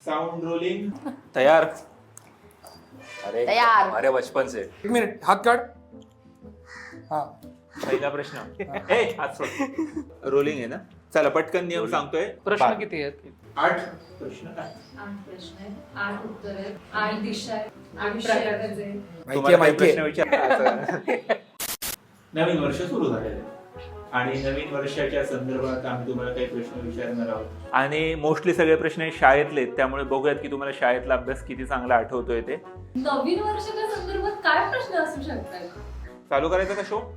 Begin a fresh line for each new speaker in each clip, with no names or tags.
Sound rolling.
तैयार. अरे
तैयार.
अरे बचपन से.
एक मिनिट हात काढ. हा
पहिला प्रश्न. हात सोड. रोलिंग आहे ना. चला पटकन नियम सांगतोय.
प्रश्न किती आहेत?
8 प्रश्न काय?
8 प्रश्न आहेत, 8 उत्तर आहेत, 8 दिशा आहेत, 8
माहितीये
तुम्हाला काही
माहितीये.
प्रश्न विचार. नवीन वर्ष सुरू झालेलं आहे आणि नवीन वर्षाच्या संदर्भात आम्ही तुम्हाला काही प्रश्न विचारणार आहोत आणि मोस्टली सगळे प्रश्न हे शाळेतले आहेत, त्यामुळे बघूयात की तुम्हाला शाळेतला अभ्यास किती चांगला आठवतोय ते.
नवीन वर्षाच्या संदर्भात काय प्रश्न असू शकतात?
चालू करायचा का शो?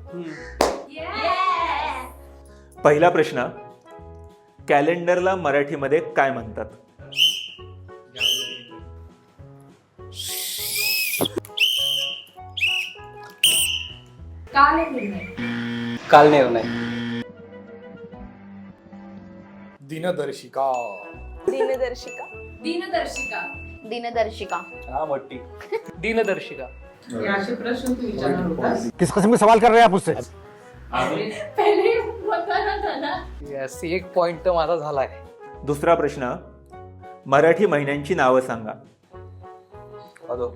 Yes!
पहिला प्रश्न. कॅलेंडरला मराठीमध्ये काय म्हणतात?
काल एक निर्णय.
काल निर्णय.
दिनदर्शिका.
दिनदर्शिका.
दिनदर्शिका.
दिनदर्शिका.
हा मोठी.
दिनदर्शिका.
हे असे प्रश्न तू विचारणार होतास?
किस किस्म के सवाल कर रहे हैं आप मुझसे?
पहिले होता ना.
यस, एक पॉइंट तर माझा झालाय.
दुसरा प्रश्न. मराठी महिन्यांची नावं सांगा.
अदो.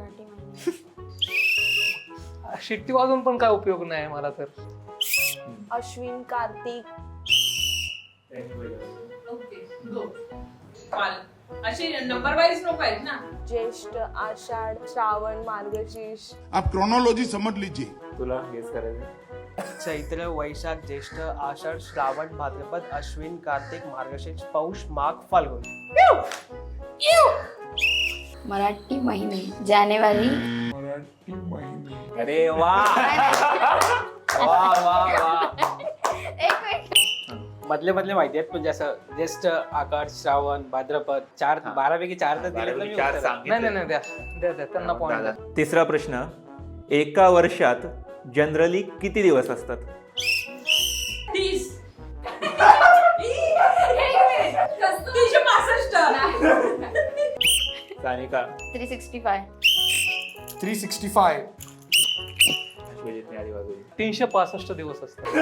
शिट्टी वाजून पण काय उपयोग नाही मला तर.
अश्विन, कार्तिक.
Okay go. काल असे नंबर वाईज नको आहेत ना.
ज्येष्ठ, आषाढ, श्रावण, मार्गशीर्ष.
आप क्रोनोलॉजी समझ लीजिए.
तुला गेस करायचं.
चैत्र, वैशाख, ज्येष्ठ, आषाढ, श्रावण, भाद्रपद, अश्विन, कार्तिक, मार्गशीर्ष, पौष, माघ, फाल्गुन.
मराठी महिने. जानेवारी.
अरे वा वा वा वा.
एक मिनिट.
मधले माहिती आहेत म्हणजे असं ज्येष्ठ, आषाढ, श्रावण, भाद्रपद 4 12पैकी 4 तर दिले तर मी
चार
उत्तर.
सांगितले.
नाही द्या द्या द्या त्यांना पॉइंट.
तिसरा प्रश्न. एका वर्षात जनरली किती दिवस असतात?
30. 365.
सानिका.
365.
365.
अश्वजितने आधी वाजवली.
365 दिवस असतात.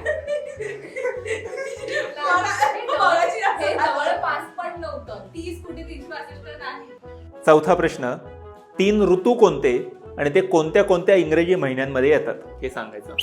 हे जवळपास पण नव्हतं. 30 कुठे 365 नाही.
चौथा प्रश्न. 3 ऋतू कोणते आणि ते कोणत्या कोणत्या इंग्रजी महिन्यांमध्ये येतात हे सांगायचं.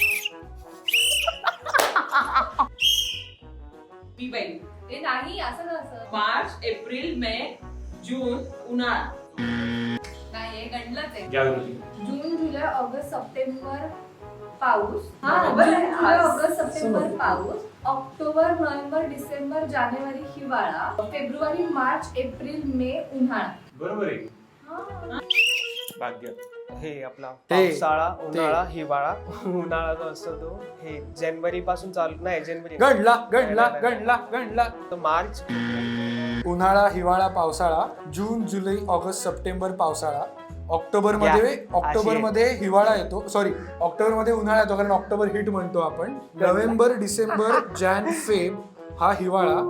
ते नाही असं कसं. मार्च, एप्रिल, मे, जून, उन्हाळा. नाही हे गणलंच आहे.
जागृती.
जून, जुलै, ऑगस्ट, सप्टेंबर पाऊस. जून, जुलै, ऑगस्ट, सप्टेंबर पाऊस. ऑक्टोबर, नोव्हेंबर, डिसेंबर, जानेवारी हिवाळा. फेब्रुवारी, मार्च, एप्रिल, मे, उन्हाळा.
बरोबर आहे. भाग्य.
हे आपला
ते-
पावसाळा, उन्हाळा, हिवाळा. उन्हाळा जो असतो तो हे जानेवारी पासून चालू नाही जानेवारी
गणला.
तर मार्च,
उन्हाळा, हिवाळा, पावसाळा. जून, जुलै, ऑगस्ट, सप्टेंबर पावसाळा. ऑक्टोबर मध्ये हिवाळा येतो. सॉरी, ऑक्टोबर मध्ये उन्हाळा येतो कारण ऑक्टोबर हिट म्हणतो आपण. नोव्हेंबर, डिसेंबर, जॅन, फेब हा हिवाळा.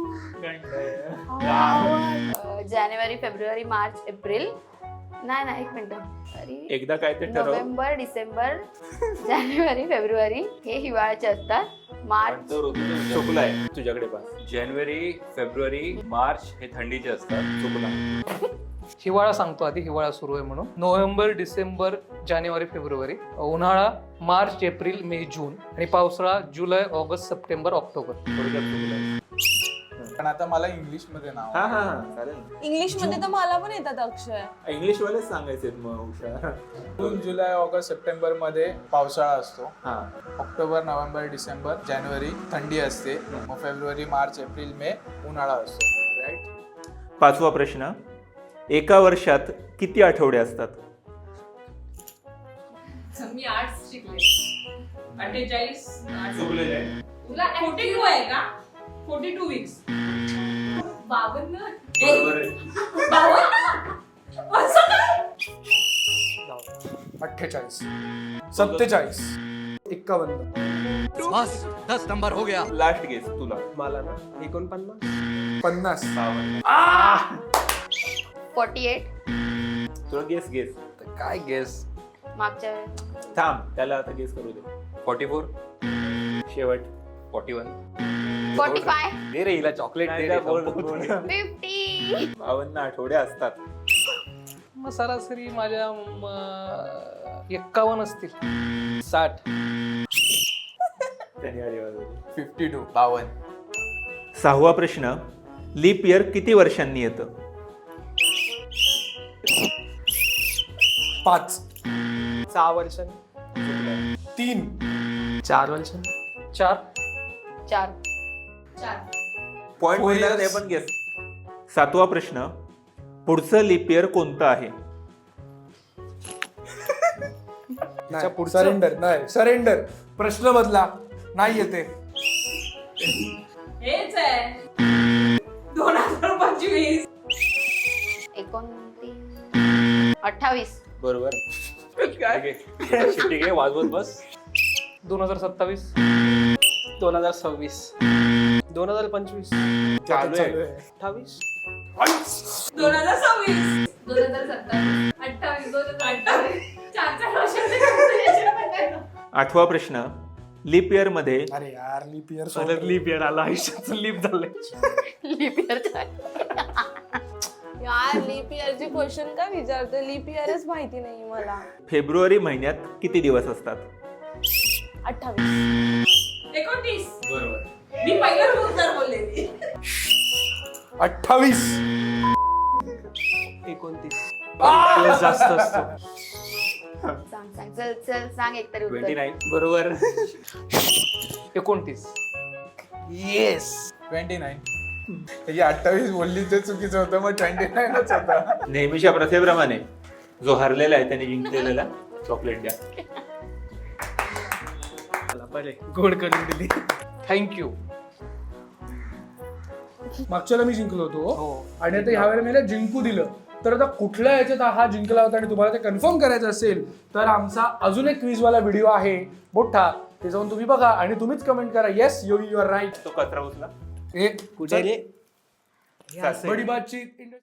जानेवारी, फेब्रुवारी, मार्च, एप्रिल. नाही एक मिनिट.
एकदा काय ते ठरव.
नोव्हेंबर, डिसेंबर, जानेवारी, फेब्रुवारी हे हिवाळ्याचे असतात. मार्च.
तो ऋतू चुकलाय तुझ्याकडे पास.
जानेवारी, फेब्रुवारी, मार्च हे थंडीचे असतात.
चुकला.
हिवाळा सांगतो आधी. हिवाळा सुरू आहे म्हणून. नोव्हेंबर, डिसेंबर, जानेवारी, फेब्रुवारी. उन्हाळा मार्च, एप्रिल, मे, जून. आणि पावसाळा जुलै, ऑगस्ट, सप्टेंबर, ऑक्टोबर.
थोडक्यात चुकलाय.
पण आता मला इंग्लिश मध्ये नाव
हा हा हा चालेल.
इंग्लिश मध्ये तर मला पण येतात अक्षर.
इंग्लिश वालेच सांगायचे मग हुशार.
जून, जुलै, ऑगस्ट, सप्टेंबर मध्ये पावसाळा असतो.
हा.
ऑक्टोबर, नोव्हेंबर, डिसेंबर, जानेवारी थंडी असते. मग फेब्रुवारी, मार्च, एप्रिल, मे उन्हाळा असतो.
राईट. पाचवा प्रश्न. एका वर्षात किती आठवडे असतात?
मी आर्ट्स शिकले. 48.
चुकलेलं आहे.
तुला 42 आहे का? 42 वीक्स. 52.
बरोबर आहे.
48, 47, 51.
बस 10 नंबर हो गया.
लास्ट गेस तुला.
मला ना 49.
50.
48.
तुला गेस गेस.
काय गेस.
मागच्या
थांब त्याला आता गेस करू दे.
44.
शेवट.
41.
45
दे रे हिला चॉकलेट दे रे, संपवू दे.
50
52 आठवडे असतात.
मग सरासरी माझ्या 51 असतील.
60
शनिवारी वाजवले.
52 52.
6वा प्रश्न, लीप इयर किती वर्षांनी येतं?
5
6 वर्षांनी
3
4 वर्षांनी
4
4
पॉइंट मिळणार ते पण गेस. 7वा प्रश्न, पुढचं लीप इयर कोणतं आहे?
सरेंडर नाही, सरेंडर. प्रश्न बदला, नाही येते.
हेच आहे 2025.
29 28
बरोबर.
ठीक आहे. शिट्टी घे, वाजवत बस.
2027
2026 2025
चालू आहे.
28
2026 2027 28 2028 4 वर्षांचे.
8वा प्रश्न, लीप इयर मध्ये
अरे यार, लीप इयर
लीप इयर आला, आयुष्याचं लीप झालंय.
लीप इयर
यार लीप इयरची क्वेश्चन का विचारते? लीप इयरच माहिती नाही मला.
फेब्रुवारी महिन्यात किती दिवस असतात?
28
29
बरोबर.
मी पहिलं उत्तर बोललेली.
28
29 जास्त असतो.
सांग सांग चल चल सांग एकतरी उत्तर.
29.
बरोबर.
29
येस
29. ही 28 बोलली ते चुकीचं होतं, मग 29च होता.
नेहमीच्या प्रथेप्रमाणे जो हरलेला आहे त्याने जिंकलेला चॉकलेट द्या.
बरे गोड करून दिली.
थँक्यू.
मागच्याला मी जिंकलो होतो
हो.
आणि आता ह्या वेळेला मला जिंकू दिलं. तर आता कुठल्या याच्यात हा जिंकला होता आणि तुम्हाला ते कन्फर्म करायचं असेल तर आमचा अजून एक क्विजवाला व्हिडिओ आहे मोठा, ते जाऊन तुम्ही बघा आणि तुम्हीच कमेंट करा yes Yogi you are right.
तो कचरा उचला.
हे
कुठे रे?
बडी बातचीत